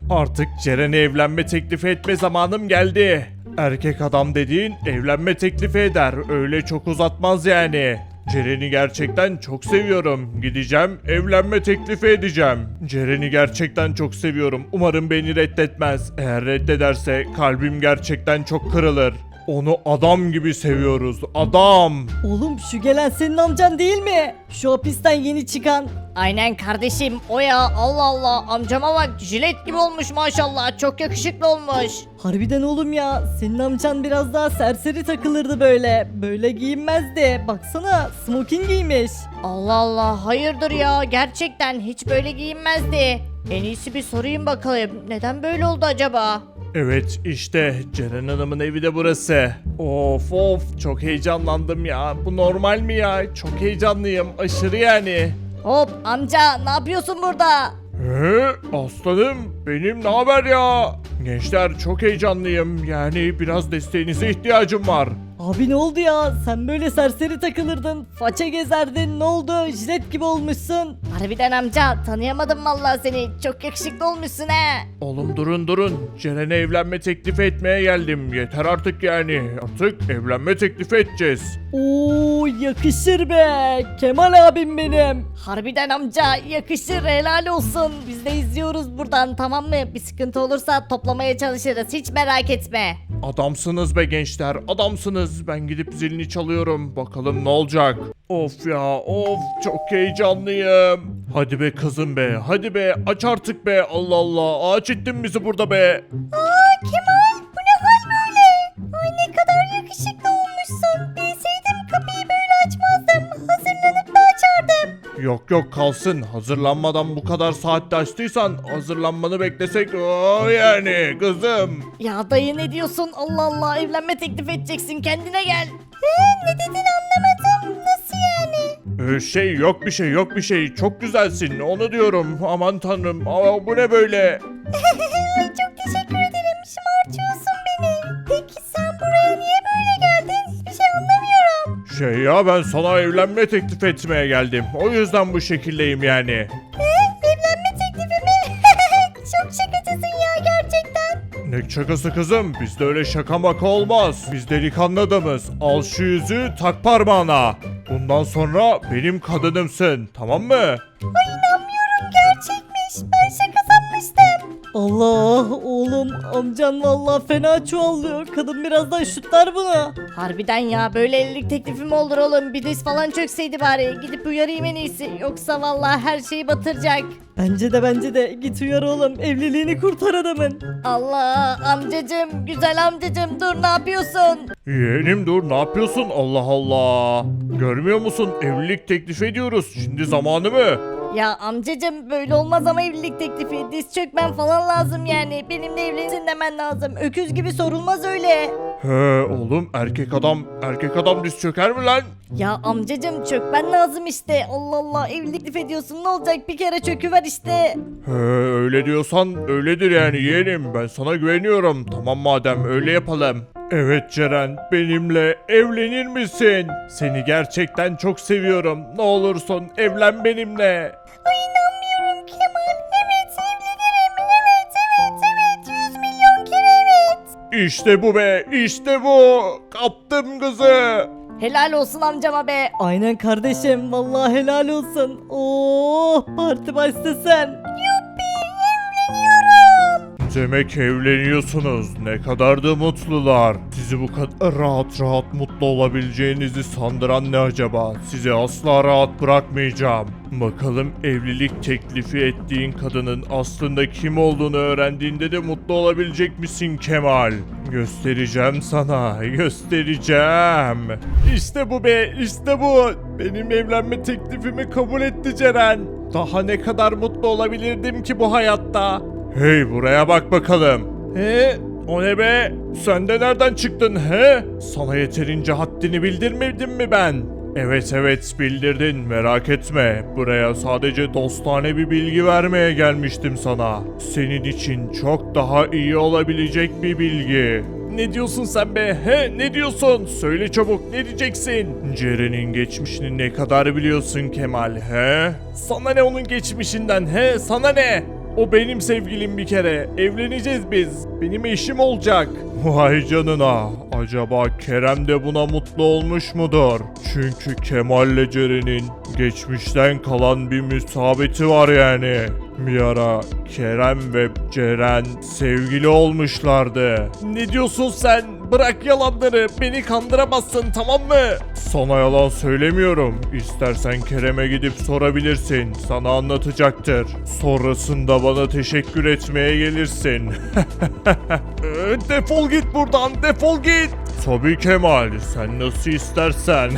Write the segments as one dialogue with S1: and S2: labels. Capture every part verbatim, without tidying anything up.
S1: Artık Ceren'e evlenme teklifi etme zamanım geldi. Erkek adam dediğin evlenme teklifi eder. Öyle çok uzatmaz yani. Ceren'i gerçekten çok seviyorum. Gideceğim, evlenme teklifi edeceğim. Ceren'i gerçekten çok seviyorum. Umarım beni reddetmez. Eğer reddederse kalbim gerçekten çok kırılır. Onu adam gibi seviyoruz. Adam.
S2: Oğlum şu gelen senin amcan değil mi? Şu hapisten yeni çıkan.
S3: Aynen kardeşim o ya, Allah Allah, amcama bak, jilet gibi olmuş maşallah, çok yakışıklı olmuş.
S2: Harbiden oğlum ya, senin amcan biraz daha serseri takılırdı böyle. Böyle giyinmezdi. Baksana smoking giymiş.
S3: Allah Allah, hayırdır ya, gerçekten hiç böyle giyinmezdi. En iyisi bir sorayım bakalım, neden böyle oldu acaba?
S1: Evet işte Ceren Hanım'ın evi de burası. Of of çok heyecanlandım ya. Bu normal mi ya? Çok heyecanlıyım aşırı yani.
S3: Hop amca, ne yapıyorsun burada?
S1: He, aslanım benim ne haber ya? Gençler çok heyecanlıyım. Yani biraz desteğinize ihtiyacım var.
S2: Abi ne oldu ya? Sen böyle serseri takılırdın. Faça gezerdin. Ne oldu? Jilet gibi olmuşsun.
S3: Harbiden amca, tanıyamadım vallahi seni, çok yakışıklı olmuşsun he.
S1: Oğlum durun durun. Ceren'e evlenme teklifi etmeye geldim. Yeter artık yani. Artık evlenme teklifi edeceğiz.
S2: Oo yakışır be. Kemal abim benim.
S3: Harbiden amca, yakışır, helal olsun. Biz de izliyoruz buradan, tamam mı? Bir sıkıntı olursa toplamaya çalışırız, hiç merak etme.
S1: Adamsınız be gençler, adamsınız. Ben gidip zilini çalıyorum. Bakalım ne olacak. Of ya, of çok heyecanlıyım. Hadi be kızım be, hadi be aç artık be. Allah Allah, ağaç ettin bizi burada be.
S3: Aa Kemal, bu ne hal böyle? Ay ne kadar yakışıklı olmuşsun. Bilseydim kapıyı böyle açmazdım. Hazırlanıp da açardım.
S1: Yok yok kalsın. Hazırlanmadan bu kadar saatte açtıysan hazırlanmanı beklesek o yani kızım.
S3: Ya dayı ne diyorsun? Allah Allah, evlenme teklif edeceksin, kendine gel. He, ne dedin anlamadım. Nasıl yani?
S1: Ee, şey yok bir şey yok bir şey. Çok güzelsin onu diyorum. Aman tanrım. Aa, bu ne böyle?
S3: Ay çok teşekkür ederim. Şımartıyorsun beni. Peki sen buraya niye böyle geldin? Hiçbir şey anlamıyorum.
S1: Şey ya ben sana evlenme teklif etmeye geldim. O yüzden bu şekildeyim yani.
S3: He, evlenme teklifi mi? Çok şakacısın ya gerçekten.
S1: Ne şakası kızım? Bizde öyle şaka maka olmaz. Biz delikanlı adamız. Al şu yüzüğü tak parmağına. Bundan sonra benim kadınımsın. Tamam mı?
S3: Ay inanmıyorum, gerçekmiş. Ben şaka sanmıştım.
S2: Allah oğlum amcan vallahi fena çuvallıyor. Kadın birazdan şutlar bunu.
S3: Harbiden ya, böyle evlilik teklifi mi olur oğlum? Bir diz falan çökseydi bari. Gidip uyarayım en iyisi. Yoksa vallahi her şeyi batıracak.
S2: Bence de bence de git uyar oğlum. Evliliğini kurtar adamın.
S3: Allah amcacım, güzel amcacım, dur ne yapıyorsun?
S1: Yeğenim dur ne yapıyorsun? Allah Allah. Görmüyor musun? Evlilik teklif ediyoruz. Şimdi zamanı mı?
S3: Ya amcacım, böyle olmaz ama evlilik teklifi. Diz çökmen falan lazım yani. Benimle evlensin demen lazım. Öküz gibi sorulmaz öyle.
S1: He oğlum erkek adam erkek adam diz çöker mi lan?
S3: Ya amcacım, çökmen lazım işte. Allah Allah, evlilik teklif ediyorsun, ne olacak, bir kere çöküver işte.
S1: He öyle diyorsan öyledir yani yeğenim. Ben sana güveniyorum. Tamam madem öyle yapalım. Evet Ceren benimle evlenir misin? Seni gerçekten çok seviyorum. Ne olursun evlen benimle.
S3: Ay inanmıyorum Kemal. Evet evlenirim. Evet evet evet. Yüz milyon kere evet.
S1: İşte bu be işte bu. Kaptım kızı.
S3: Helal olsun amcama be.
S2: Aynen kardeşim vallahi helal olsun. Oo parti başlasın.
S1: Demek evleniyorsunuz. Ne kadar da mutlular. Sizi bu kadar rahat rahat mutlu olabileceğinizi sandıran ne acaba? Sizi asla rahat bırakmayacağım. Bakalım evlilik teklifi ettiğin kadının aslında kim olduğunu öğrendiğinde de mutlu olabilecek misin Kemal? Göstereceğim sana, göstereceğim. İşte bu be, işte bu. Benim evlenme teklifimi kabul etti Ceren. Daha ne kadar mutlu olabilirdim ki bu hayatta? Hey buraya bak bakalım. He? O ne be? Sen de nereden çıktın he? Sana yeterince haddini bildirmedim mi ben? Evet evet bildirdin merak etme. Buraya sadece dostane bir bilgi vermeye gelmiştim sana. Senin için çok daha iyi olabilecek bir bilgi. Ne diyorsun sen be? He? Ne diyorsun? Söyle çabuk ne diyeceksin? Ceren'in geçmişini ne kadar biliyorsun Kemal he? Sana ne onun geçmişinden he? Sana ne? O benim sevgilim bir kere. Evleneceğiz biz. Benim eşim olacak. Vay canına. Acaba Kerem de buna mutlu olmuş mudur? Çünkü Kemal'le Ceren'in geçmişten kalan bir müsabeti var yani. Bir ara Kerem ve Ceren sevgili olmuşlardı. Ne diyorsun sen? Bırak yalanları. Beni kandıramazsın, tamam mı? Sana yalan söylemiyorum. İstersen Kerem'e gidip sorabilirsin. Sana anlatacaktır. Sonrasında bana teşekkür etmeye gelirsin. Ee, defol git buradan. Defol git. Tabii Kemal. Sen nasıl istersen.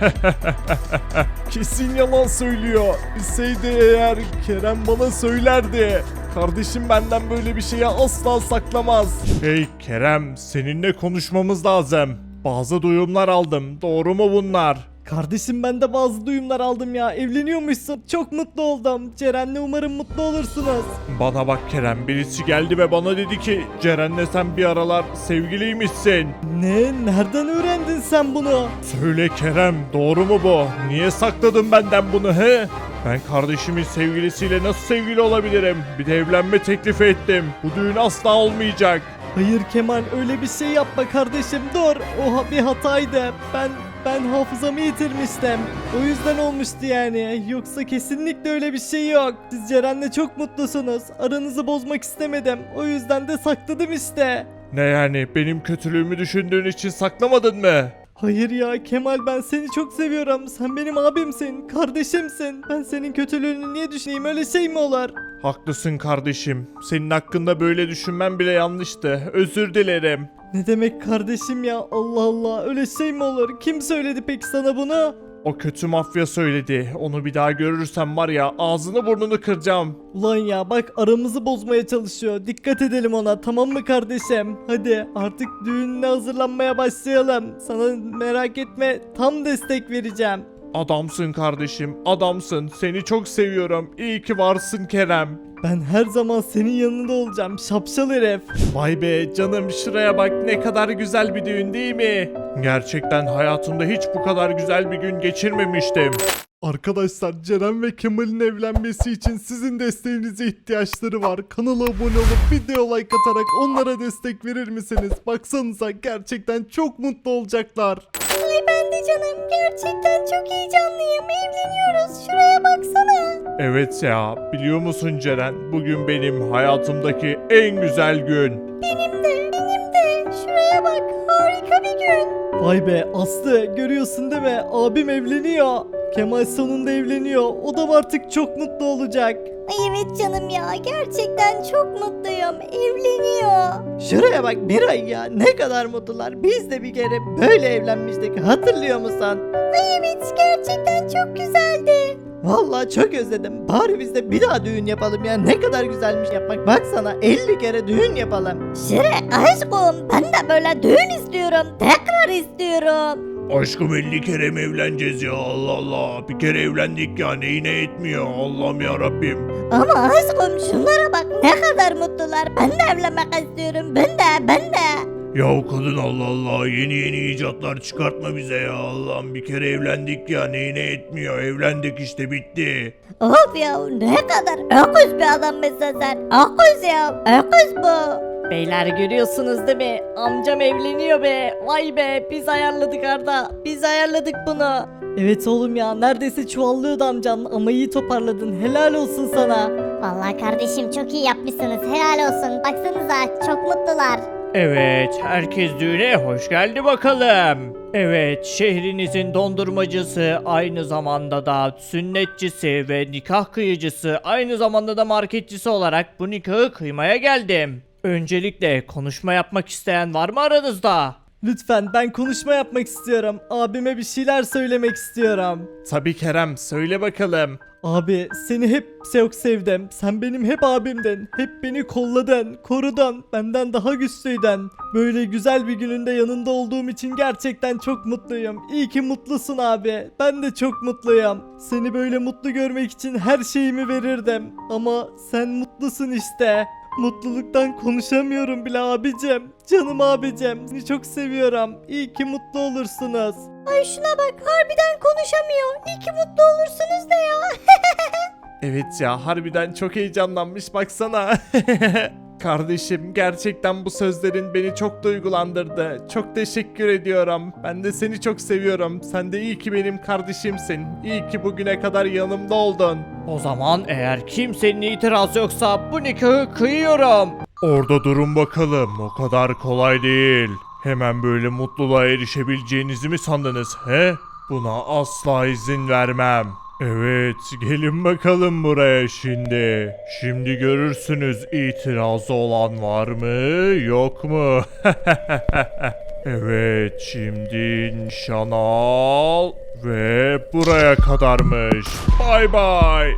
S1: Kesin yalan söylüyor. Bilseydi eğer Kerem bana söylerdi. Kardeşim benden böyle bir şeyi asla saklamaz. Hey Kerem, seninle konuşmamız lazım. Bazı duyumlar aldım. Doğru mu bunlar?
S2: Kardeşim ben de bazı duyumlar aldım ya. Evleniyormuşsun. Çok mutlu oldum. Ceren'le umarım mutlu olursunuz.
S1: Bana bak Kerem, birisi geldi ve bana dedi ki Ceren'le sen bir aralar sevgiliymişsin.
S2: Ne? Nereden öğrendin sen bunu?
S1: Söyle Kerem, doğru mu bu? Niye sakladın benden bunu he? Ben kardeşimin sevgilisiyle nasıl sevgili olabilirim? Bir de evlenme teklifi ettim. Bu düğün asla olmayacak.
S2: Hayır Kemal, öyle bir şey yapma kardeşim, dur. O ha- bir hataydı. Ben ben hafızamı yitirmiştim. O yüzden olmuştu yani. Yoksa kesinlikle öyle bir şey yok. Siz Ceren'le çok mutlusunuz. Aranızı bozmak istemedim. O yüzden de sakladım işte.
S1: Ne yani, benim kötülüğümü düşündüğün için saklamadın mı?
S2: Hayır ya Kemal, ben seni çok seviyorum. Sen benim abimsin, kardeşimsin. Ben senin kötülüğünü niye düşüneyim, öyle şey mi olur?
S1: Haklısın kardeşim. Senin hakkında böyle düşünmem bile yanlıştı. Özür dilerim.
S2: Ne demek kardeşim ya, Allah Allah, öyle şey mi olur? Kim söyledi peki sana bunu?
S1: O kötü mafya söyledi. Onu bir daha görürsem var ya, ağzını burnunu kıracağım.
S2: Ulan ya bak, aramızı bozmaya çalışıyor. Dikkat edelim ona, tamam mı kardeşim? Hadi artık düğününe hazırlanmaya başlayalım. Sana merak etme, tam destek vereceğim.
S1: Adamsın kardeşim, adamsın. Seni çok seviyorum. İyi ki varsın Kerem.
S2: Ben her zaman senin yanında olacağım şapşal herif.
S1: Vay be canım, şuraya bak, ne kadar güzel bir düğün değil mi? Gerçekten hayatımda hiç bu kadar güzel bir gün geçirmemiştim. Arkadaşlar, Ceren ve Kemal'in evlenmesi için sizin desteğinize ihtiyaçları var. Kanala abone olup video like atarak onlara destek verir misiniz? Baksanıza, gerçekten çok mutlu olacaklar.
S3: Ay ben de canım, gerçekten çok heyecanlıyım. Evleniyoruz, şuraya baksana.
S1: Evet ya, biliyor musun Ceren? Bugün benim hayatımdaki en güzel gün.
S3: Benim de, benim de. Şuraya bak, harika bir gün.
S2: Vay be Aslı, görüyorsun değil mi? Abim evleniyor. Kemal sonunda evleniyor. O da artık çok mutlu olacak.
S3: Ay evet canım ya, gerçekten çok mutluyum. Evleniyor.
S2: Şuraya bak Miray ya, ne kadar mutlular. Biz de bir kere böyle evlenmiştik, hatırlıyor musun?
S3: Ay evet, gerçekten çok güzeldi.
S2: Vallahi çok özledim. Bari biz de bir daha düğün yapalım ya. Ne kadar güzelmiş yapmak. Baksana, elli kere düğün yapalım.
S3: Şire aşkım, ben de böyle düğün istiyorum. Tekrar istiyorum.
S1: Aşkım, elli kere mi evleneceğiz ya? Allah Allah. Bir kere evlendik ya, neyine etmiyor? Allah'ım ya Rabbim.
S3: Ama aşkım şunlara bak, ne kadar mutlular. Ben de evlenmek istiyorum. Ben de, ben de.
S1: Ya kadın, Allah Allah, yeni yeni icatlar çıkartma bize ya. Allah'ım, bir kere evlendik ya, neyine etmiyor? Evlendik işte, bitti.
S3: Of ya, ne kadar öküz bir adammışsın sen. Öküz ya, öküz bu.
S2: Beyler görüyorsunuz değil mi? Amcam evleniyor be. Vay be, biz ayarladık Arda. Biz ayarladık bunu. Evet oğlum ya, neredeyse çuvallıyordu amcan ama iyi toparladın. Helal olsun sana.
S3: Vallahi kardeşim, çok iyi yapmışsınız. Helal olsun. Baksanıza, çok mutlular.
S4: Evet, herkes düğüne hoş geldi bakalım. Evet, şehrinizin dondurmacısı, aynı zamanda da sünnetçisi ve nikah kıyıcısı, aynı zamanda da marketçisi olarak bu nikahı kıymaya geldim. Öncelikle konuşma yapmak isteyen var mı aranızda?
S2: Lütfen, ben konuşma yapmak istiyorum. Abime bir şeyler söylemek istiyorum.
S1: Tabii Kerem, söyle bakalım.
S2: Abi seni hep çok sevdim. Sen benim hep abimdin. Hep beni kolladın, korudun. Benden daha güçlüydün. Böyle güzel bir gününde yanında olduğum için gerçekten çok mutluyum. İyi ki mutlusun abi. Ben de çok mutluyum. Seni böyle mutlu görmek için her şeyimi verirdim. Ama sen mutlusun işte. Mutluluktan konuşamıyorum bile abicim. Canım abicim. Seni çok seviyorum. İyi ki mutlu olursunuz.
S3: Ay şuna bak, harbiden konuşamıyor. İyi ki mutlu olursunuz da ya.
S1: Evet ya, harbiden çok heyecanlanmış baksana. Kardeşim, gerçekten bu sözlerin beni çok duygulandırdı. Çok teşekkür ediyorum. Ben de seni çok seviyorum. Sen de iyi ki benim kardeşimsin. İyi ki bugüne kadar yanımda oldun.
S4: O zaman eğer kimsenin itirazı yoksa bu nikahı kıyıyorum.
S1: Orada durun bakalım. O kadar kolay değil. Hemen böyle mutluluğa erişebileceğinizi mi sandınız he? Buna asla izin vermem. Evet, gelin bakalım buraya şimdi. Şimdi görürsünüz, itirazı olan var mı, yok mu? Evet, şimdi nişan al ve buraya kadarmış. Bay bay.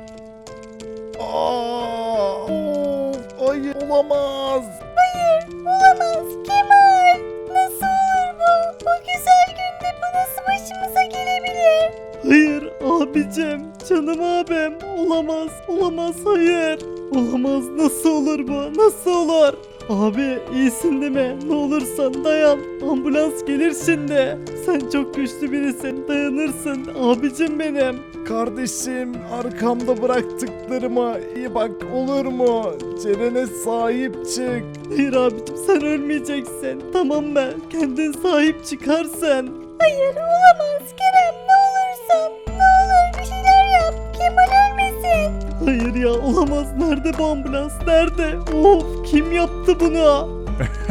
S1: Aa, of, hayır, olamaz.
S3: Hayır, olamaz Kemal. Nasıl olur bu? Bu güzel günde bu nasıl başımıza gelebilir?
S2: Hayır abicim, canım abim. Olamaz, olamaz, hayır. Olamaz, nasıl olur bu, nasıl olur? Abi iyisin değil mi? Ne olursan dayan. Ambulans gelir şimdi. Sen çok güçlü birisin, dayanırsın abicim benim.
S1: Kardeşim, arkamda bıraktıklarıma iyi bak, olur mu? Ceren'e sahip çık.
S2: Hayır abicim, sen ölmeyeceksin. Tamam mı? Kendin sahip çıkarsın.
S3: Hayır, olamaz Kerem. Ne olursun. Ne olur bir şeyler yap. Kemal ölmesin.
S2: Hayır ya, olamaz. Nerede bu ambulans? Nerede? Of, kim yaptı bunu?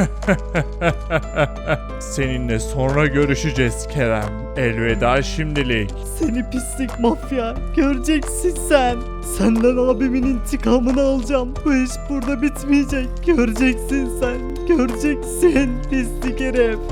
S1: Seninle sonra görüşeceğiz Kerem. Elveda şimdilik.
S2: Seni pislik mafya. Göreceksin sen. Senden abimin intikamını alacağım. Bu iş burada bitmeyecek. Göreceksin sen. Göreceksin pislik herif.